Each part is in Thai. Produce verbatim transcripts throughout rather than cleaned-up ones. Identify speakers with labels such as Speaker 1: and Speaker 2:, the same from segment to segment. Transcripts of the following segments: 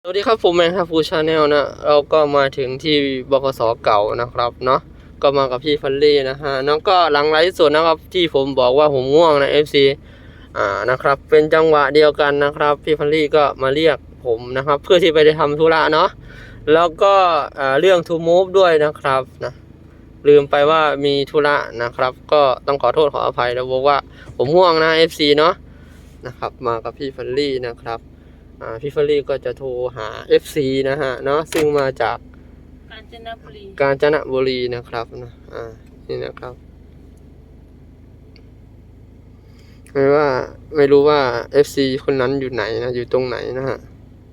Speaker 1: สวัสดีครับผมแมนครับฟูชาแนลนะเราก็มาถึงที่บกสเก่านะครับเนาะก็มากับพี่ฟันลี่นะฮะน้องก็หลังไลฟ์สดนะครับที่ผมบอกว่าผมง่วงนะ เอฟ ซี อ่านะครับเป็นจังหวะเดียวกันนะครับพี่ฟันลี่ก็มาเรียกผมนะครับเพื่อที่ไปได้ทำธุระเนาะแล้วก็เรื่อง to move ด้วยนะครับนะลืมไปว่ามีธุระนะครับก็ต้องขอโทษขออภัยแล้วบอกว่าผมง่วงนะ เอฟ ซี เนาะนะครับมากับพี่ฟันลี่นะครับพี่เฟอรี่ก็จะโทรหา เอฟ ซี นะฮะเนาะซึ่งมาจากกาญจนบุรีกาญจนบุรีนะครับนะอ่านี่นะครับไม่ว่าไม่รู้ว่า เอฟ ซี คนนั้นอยู่ไหนนะอยู่ตรงไหนนะฮะ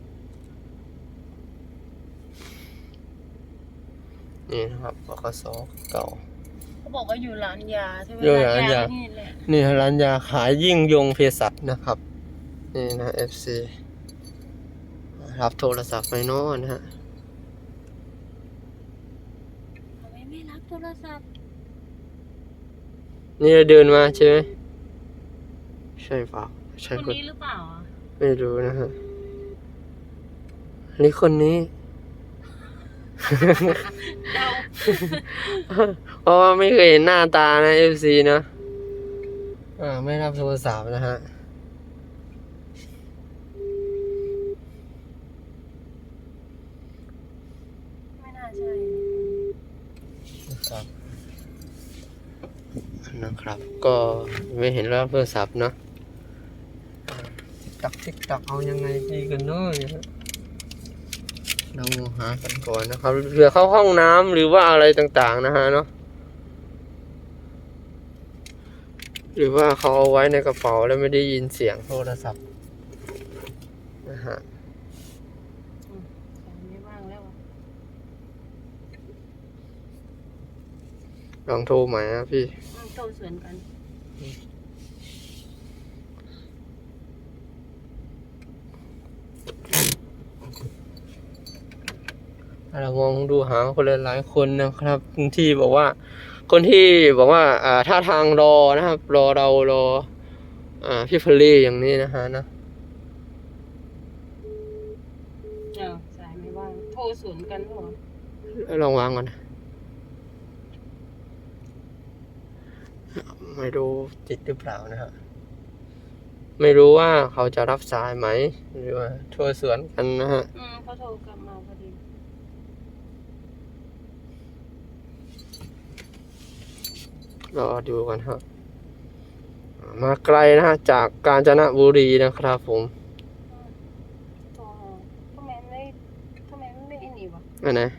Speaker 1: นี่นะครับบกสเก่า
Speaker 2: เขาบอกว่าอยู่ร้านยาใช่ไหม
Speaker 1: อยู่ร้านยา
Speaker 2: นี่แหละ
Speaker 1: นี่ร้านยาขายยิ่งยงเภสัชนะครับนี่นะ เอฟ ซี รับโทรศัพท์ไปโน่นนะฮะ
Speaker 2: ทำไมไม่รับโทรศัพท์
Speaker 1: นี่เราเดินมาใช่ไหมใช่เปล่าใช่
Speaker 2: คนนี้หรือเปล่า
Speaker 1: ไม่รู้นะฮะนี่คนนี้ เพราะว่าไม่เคยเห็นหน้าตานะ เอฟ ซี นะอ่าไม่รับโทรศัพท์นะฮะ
Speaker 2: ไม่น่าใช่
Speaker 1: นะครับนะครับก็ไม่เห็นรับโทรศัพท์เนาะติ๊กตักติ๊กตักเอายังไงดีกันเนาะเราหากันก่อนนะครับเผื่อเข้าห้องน้ำหรือว่าอะไรต่างๆนะฮะเนาะหรือว่าเขาเอาไว้ในกระเป๋าแล้วไม่ได้ยินเสียงโทรศัพท์นะฮะ
Speaker 2: ไม่ว่างแล้ว
Speaker 1: ลองโทรใหม่นะพี่
Speaker 2: โทรสวนกัน
Speaker 1: เรามองดูหาคนหลายๆคนนะครับที่บอกว่าคนที่บอกว่าอ่าท่าทางรอนะครับรอเรารออ่าพี่ฟลลี่อย่างนี้นะฮะนะ
Speaker 2: อ้าวสายไม่ว่างโทรสวนกันหรอ
Speaker 1: ลองวางก่อนไม่รู้ติดหรือเปล่านะฮะไม่รู้ว่าเขาจะรับสายไหมหรือว่าโทรสวนกันนะฮะ
Speaker 2: อืมเขาโทรกลับมาพอดี
Speaker 1: รอดูกันครับมาไกลนะฮะจากกาญจนบุรีนะครับผม
Speaker 2: ทำไมไม่ทำไมไม่อินอีกวะ
Speaker 1: อันไหน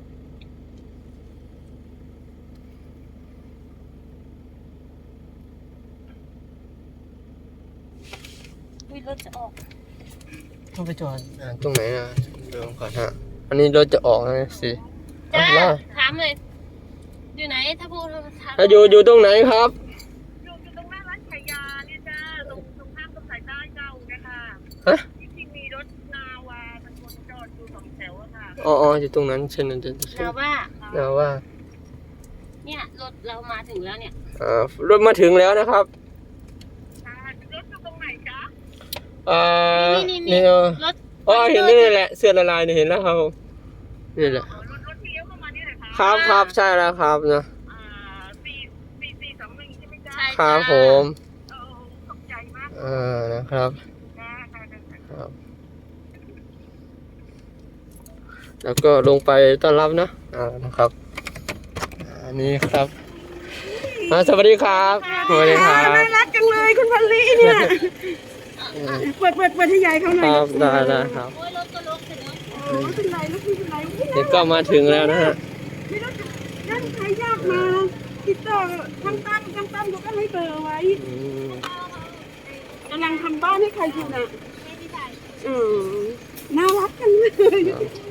Speaker 2: วิรถจะออก
Speaker 1: ต้องไปจอดตรงไหนนะดูก่อนฮะอันนี้รถจะออกนะสิ
Speaker 2: จ้าถามเลยอยู่ไหนถ้าพูด
Speaker 1: ถ้าอยู่อยู่ตรงไหนครับ
Speaker 3: อยู่อยู่ตรงหน้าร้านขายยาเนี่ยจ้าตรงตรงข้ามตรงสายใต้เก่านะคะ
Speaker 1: ฮะ
Speaker 3: ที่มีรถนาวามันวนจอดอยู่สองแถวอะค่ะ
Speaker 1: อ๋ออ๋ออยู่ตรงนั้นเช่นนั้นจะ
Speaker 2: นาว่า
Speaker 1: นาว่า
Speaker 2: เนี่ยรถเรามาถึงแล้วเนี่ย
Speaker 1: อ่ารถมาถึงแล้วนะครับ
Speaker 3: รถอยู่ตรงไหนจ๊ะ
Speaker 1: อ่านี่รถอ๋อเห็นนี่แหละเสื้อละลายเนี่ยเห็นแล้วครับนี่แหละ
Speaker 3: รถรถเลี้ยวเข้ามานี่แหละค่ะ
Speaker 1: ครับครับใช่แล้วครับนะ
Speaker 3: อ่าสี่สี่สี่สองหนึ่งใช่ไหมจ๊ะ
Speaker 1: ครับผม
Speaker 3: เออขอบใจมาก
Speaker 1: อ่านะครับครับแล้วก็ลงไปต้อนรับนะอ่านะครับอันนี้ครับสวัสดีครับสวัสดีครับ
Speaker 3: น่ารักจังเลยคุณพันลีเนี่ยเปิดเปิดเปิดให้ยายเขาหน่อย
Speaker 1: ครับได้ได้ครับ
Speaker 2: โอ้ยรถก็รถเสร็จแล้ว
Speaker 3: โอ้เป็นไรลูกพี่เป็นไร
Speaker 1: เด็กก็มาถึงแล้วนะฮะ
Speaker 3: ไม่รู้จะนั่นใครยากมาติดต่อทางตั้มทางตั้มเขาก็ให้เบอร์ไว้กำลังทำบ้านให้ใครอยู่น่ะอืมน่ารักกันเลย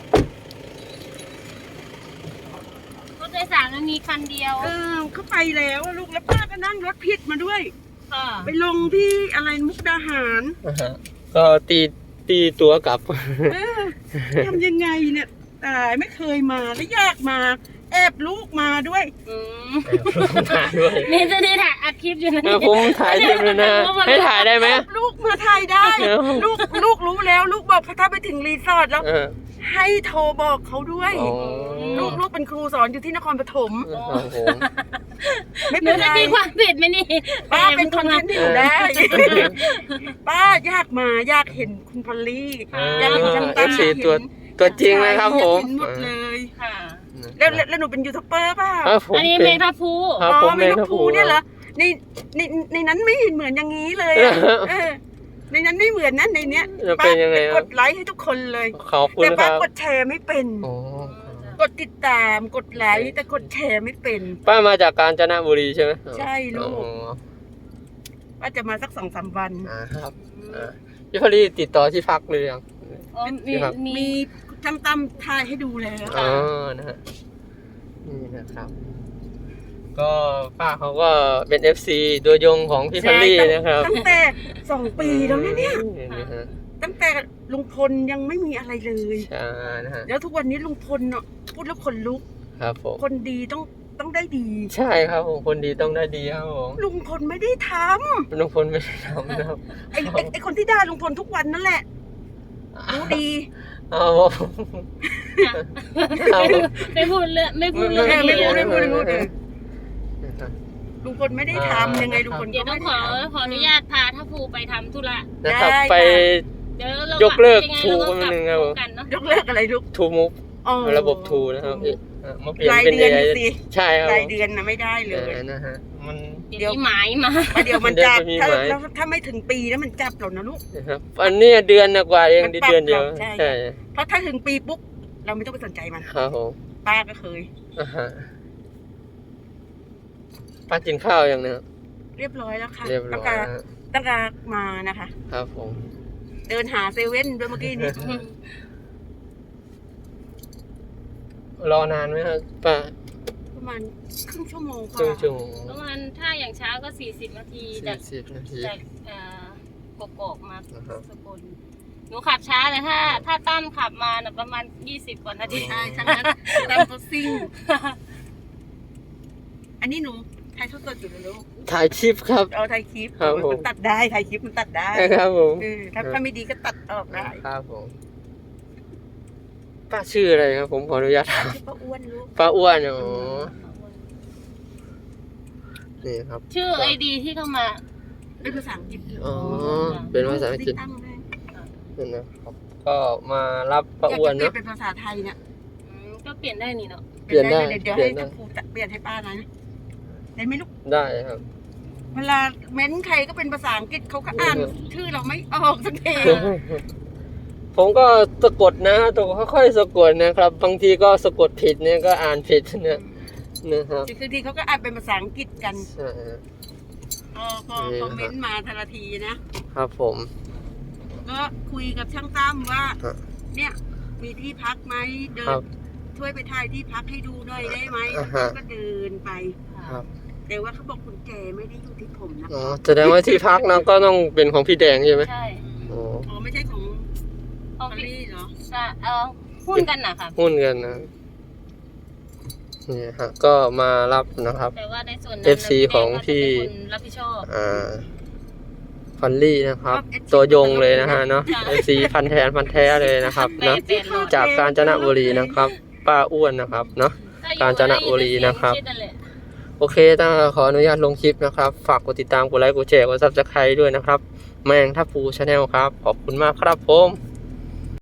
Speaker 2: รถโดยสารมันมีคันเดียว
Speaker 3: เออเขาไปแล้วลูกแล้วป้าก็นั่งรถผิดมาด้วย
Speaker 2: ค่ะ
Speaker 3: ไปลงที่อะไรมุกดาหาร
Speaker 1: ก็ตีตีตัวกลับ
Speaker 3: ทำยังไงเนี่ยตายไม่เคยมาแล้วยากมาแอบลูกมาด้วย
Speaker 2: อืม
Speaker 1: ถ่ายด้วย
Speaker 2: นี่จะได้ถ่ายอัดคลิปอยู่นะ
Speaker 1: เออผมถ่ายเต็มเลยนะให้ถ่ายได้ไหม
Speaker 3: ลูกมาถ่ายได้
Speaker 1: เดี๋ยว
Speaker 3: ลูกลูกรู้แล้ว ลูกบอกถ้าไปถึงรีสอร์ทแล้ว
Speaker 1: เออ
Speaker 3: ให้โทรบอกเขาด้วย
Speaker 1: อ๋อ
Speaker 3: ลูกลูกเป็นครูสอนอยู่ที่นครปฐม
Speaker 1: ครับผม
Speaker 3: ไม่
Speaker 2: หนู
Speaker 3: เป็นไร
Speaker 2: จะมีความผิดไหมนี่
Speaker 3: ป้าเป็นคนที่อยู่ได้ ป้าอยากมาอยากเห็นคุณพอลลี่ อยากเห็นช่าง
Speaker 1: เอ
Speaker 3: ตั้ม
Speaker 1: ฟซีตัวตัวจริงนะครับผม
Speaker 3: อยากเห็นหมดเลย
Speaker 2: ค่ะ
Speaker 3: แล้วแล้วแล้วหนูเป็นยูทูบเบอร์เปล่า
Speaker 1: ครับผม
Speaker 2: อันนี้
Speaker 1: เป็
Speaker 2: เม
Speaker 1: น
Speaker 2: งทับพู
Speaker 1: ครับ
Speaker 3: อ๋อ
Speaker 1: ผม
Speaker 3: ไม่
Speaker 1: เป็น
Speaker 3: นก
Speaker 1: ทัพ
Speaker 3: ภู
Speaker 1: พู
Speaker 3: เนี่ยเหรอในในในนั้นไม่เห็นเหมือนอย่างนี้เลยอะเออในนั้นไม่เหมือนนะในเนี้ย
Speaker 1: จะเป็นยังไงค
Speaker 3: ก
Speaker 1: รับ
Speaker 3: ดไลค์ให้ทุกคนเลย
Speaker 1: ขอบคุณ
Speaker 3: แต่
Speaker 1: ค
Speaker 3: ป้า
Speaker 1: รับ
Speaker 3: กดแชร์ไม่เป็น
Speaker 1: อ๋อก
Speaker 3: ดติดตามกดไลค์แต่กดแชร์ไม่เป็น
Speaker 1: ป้ามาจากกาญจนบุรีใช่ไหม
Speaker 3: ใช่ลูก
Speaker 1: อ๋อ
Speaker 3: ป้าจะมาสักสองสามวัน
Speaker 1: อ่าครับอ่าพี่พอลี่ติดต่อที่พักหรือยัง
Speaker 2: อ๋อมี
Speaker 1: ครับ
Speaker 2: มี
Speaker 3: มีช่างตั้มทายให้ดูแล้ว
Speaker 1: อ๋อนะฮะนี่นะครับ ก็ป้าเขาก็เป็น เอฟ ซี ตัวยงของพี่พอลลี่นะครับ
Speaker 3: ตั้งแต่สองปีแล้วนะเนี่ย
Speaker 1: นะฮะ
Speaker 3: ตั้งแต่ลุงพลยังไม่มีอะไรเลย
Speaker 1: ใช่นะฮะ
Speaker 3: แล้วทุกวันนี้ลุงพลเนาะพูดแล้วคนลุก
Speaker 1: ครับผม
Speaker 3: คนดีต้องต้องได้ดี
Speaker 1: ใช่ครับผมคนดีต้องได้ดีครับผม
Speaker 3: ลุงพลไม่ได้ท
Speaker 1: ลุงพลไม่ได้ทำนะครับ
Speaker 3: ำไอ้ไอ้ไอ้คนที่ด่าลุงพลทุกวันนั่นแหละรู้ดี
Speaker 1: เอาผมเอาผม
Speaker 2: ไม่พูดเรื่องไม่พูด
Speaker 3: เอ
Speaker 2: เรื่อง
Speaker 3: อไม่
Speaker 2: นี้
Speaker 3: พูด
Speaker 2: เดี๋
Speaker 3: ไม่
Speaker 2: ยว
Speaker 3: พูดไม่พูดเออลุงพลไม่ได้ทำยังไงลุงพล
Speaker 2: เดี๋ยว
Speaker 3: ก็
Speaker 2: ต้อ
Speaker 3: ไม่
Speaker 2: งขอ
Speaker 3: ทำ
Speaker 2: ขออนุญาตพาทัพพูไปทำธุระ
Speaker 1: นะครับ
Speaker 3: ได้
Speaker 1: ไป
Speaker 2: เดี๋ยวเรา
Speaker 1: ยกเลิก
Speaker 2: ยังไง
Speaker 1: ทู
Speaker 2: เราก็
Speaker 1: ไป
Speaker 2: กลับ
Speaker 1: หนึ่งครับผม
Speaker 2: กันเนาะ
Speaker 3: ยกเลิกอะไรลูก
Speaker 1: ทูมุก
Speaker 3: อ๋อ
Speaker 1: ระบบทูนะครับเอ๊ะอ่ะมาเปลี่ยน
Speaker 3: ราย
Speaker 1: เป็น
Speaker 3: เดือน
Speaker 1: เอ
Speaker 3: สิ
Speaker 1: ใช่ครับ
Speaker 3: รายเดือนนะไม่ได้เล
Speaker 1: เอย อนะฮะมัน
Speaker 2: เดี๋ยวมีหมายมา
Speaker 3: ประเดี๋ยวมันจับ
Speaker 1: เดี๋ยวจะมี
Speaker 3: ถ้า
Speaker 1: หมาย
Speaker 3: แล้วถ้าไม่ถึงปีแล้วมันจับเรานะลูก
Speaker 1: นะครับอันเนี้ยเดือนกว่าเอง
Speaker 3: มัน
Speaker 1: ดิ
Speaker 3: ปรับ
Speaker 1: เดือนเดียว
Speaker 3: ใช่
Speaker 1: ใช่
Speaker 3: เพราะถ้าถึงปีปุ๊บเราไม่ต้องไปสนใจมัน
Speaker 1: ครับผม
Speaker 3: ป้าก็เคย
Speaker 1: อ่าฮะป้ากินข้าวยังเนี่ย
Speaker 3: เรียบร้อยแล้วค่ะ
Speaker 1: เรียบร้
Speaker 3: ตั้
Speaker 1: อง ย
Speaker 3: แต่
Speaker 1: ฮะ
Speaker 3: ตั้งแต่มานะคะ
Speaker 1: ครับผม
Speaker 3: เดินหาเซเว่นด้วยเมื่อกี้นี้
Speaker 1: รอนานไหมครับป้า
Speaker 3: ประมาณครึ่งชั่วโมง
Speaker 1: ค
Speaker 3: ค่ะ
Speaker 1: รึ่งชั่วโมง
Speaker 2: ประมาณถ้าอย่างเช้าก็สี่สิบนาที
Speaker 1: สี่
Speaker 2: จาก
Speaker 1: สิบนาที
Speaker 2: จากเอ่อกกอกมา
Speaker 1: อ่าฮะ
Speaker 2: สกลหนูขับช้าแต่ถ้า ถ้าตั้มขับมาน่ะประมาณยี่สิบกว่านาที
Speaker 3: ใช่ทั้งนั้นตามตัวซิ่ง อันนี้หนูถ่ายทอดสดอยู่เลยลูก
Speaker 1: ถ่ายคลิปครับ
Speaker 3: เอาถ่ายคลิป
Speaker 1: ครับผม
Speaker 3: มันตัดได้ถ่ายคลิปมันตัดได้
Speaker 1: ครับผม
Speaker 3: เออถ้าถ้าไม่ดีก็ตัดออกได้
Speaker 1: ครับผมป้าชื่ออะไรครับ ผมขออนุญาตถาม
Speaker 3: ชื่อป้าอ้วนลูก
Speaker 1: ป้าอ้วนอ๋อนี่ครับ
Speaker 2: ชื่อไอดีที่เข้ามา
Speaker 3: เป็นภาษาอังกฤษ
Speaker 1: อ๋อเป็นภาษาอังกฤษ
Speaker 3: ตั้งได้
Speaker 1: นั่นนะครับก็มารับป้า
Speaker 3: อยาก
Speaker 1: อ้วน
Speaker 3: จะเปลี่ย
Speaker 1: เนาะ
Speaker 3: นเป็นภาษาไทยเนี่ย
Speaker 2: อืมก็เปลี่ยนได้นี่เนาะ
Speaker 1: เปลี่ยนได้
Speaker 3: เดี๋ยว
Speaker 1: เปลี่
Speaker 3: ให้
Speaker 1: ยนได้
Speaker 3: เจ้าครูเปลี่ยนให้ป้านะได้ไหมลูก
Speaker 1: ได้ครับ
Speaker 3: เวลาเม้นใครก็เป็นภาษาอังกฤษเขาก็อ่านชื่อเราไม่ออกสักที
Speaker 1: ผมก็สะกดนะตัวค่อยๆสะกดนะครับ บางทีก็สะกดผิดเนี่ยก็อ่านผิดเนี่ยนะครับ
Speaker 3: คือทีเขาก็อ่านเป็นภาษาอังกฤษกัน
Speaker 1: ใช่ฮะ
Speaker 3: พอพอคอมเมนต์มาทันทีนะครับ
Speaker 1: ผม
Speaker 3: ก็คุยกับช่างตั้มว่า
Speaker 1: ครับ
Speaker 3: เนี่ยมีที่พักไหมเดิ
Speaker 1: ครั
Speaker 3: น
Speaker 1: บ
Speaker 3: ช่วยไปถ่ายที่พักให้ดูหน่อยได้ไหม
Speaker 1: อ่าฮะ
Speaker 3: ก็เดินไป
Speaker 1: ครับ
Speaker 3: แต่ว่าเขาบอกคุณแจไม่ได้อยู่ที่ผมนะ
Speaker 1: อ๋อแสดงว่าที่พักนะก็ต้องเป็นของพี่แดงใช่ไหม
Speaker 2: ใช่
Speaker 1: อ๋อ
Speaker 3: อ๋อไม่ใช่ของ
Speaker 2: เอา
Speaker 3: พอล
Speaker 2: พี่
Speaker 3: ลี่เหรอ
Speaker 2: จะเอาหุ้นกันนะคะ
Speaker 1: หุ้นกันนะนี่ฮะก็มารับนะครับ
Speaker 2: แต่ว่าในส่วนนั้น
Speaker 1: เอฟ ซี ของพี่
Speaker 2: เป็นคนรับผิดชอบ
Speaker 1: อ่าฟันลี่นะครับ ตัวยงเลยนะฮะเนาะ เอฟ ซี พันแทนพันแท้เลยนะครับเนาะ
Speaker 2: แปดร้อย
Speaker 1: จากกาญจนบุรีนะครับ ป้าอ้วนนะครับเนาะ กาญจนบุรีนะครับ โอเคต้องขออนุญาตลงคลิปนะครับ ฝากกดติดตามกดไลค์กดแชร์กดซับสไครต์ด้วยนะครับ แมงทัพพูชาแนลครับ ขอบคุณมากครับผม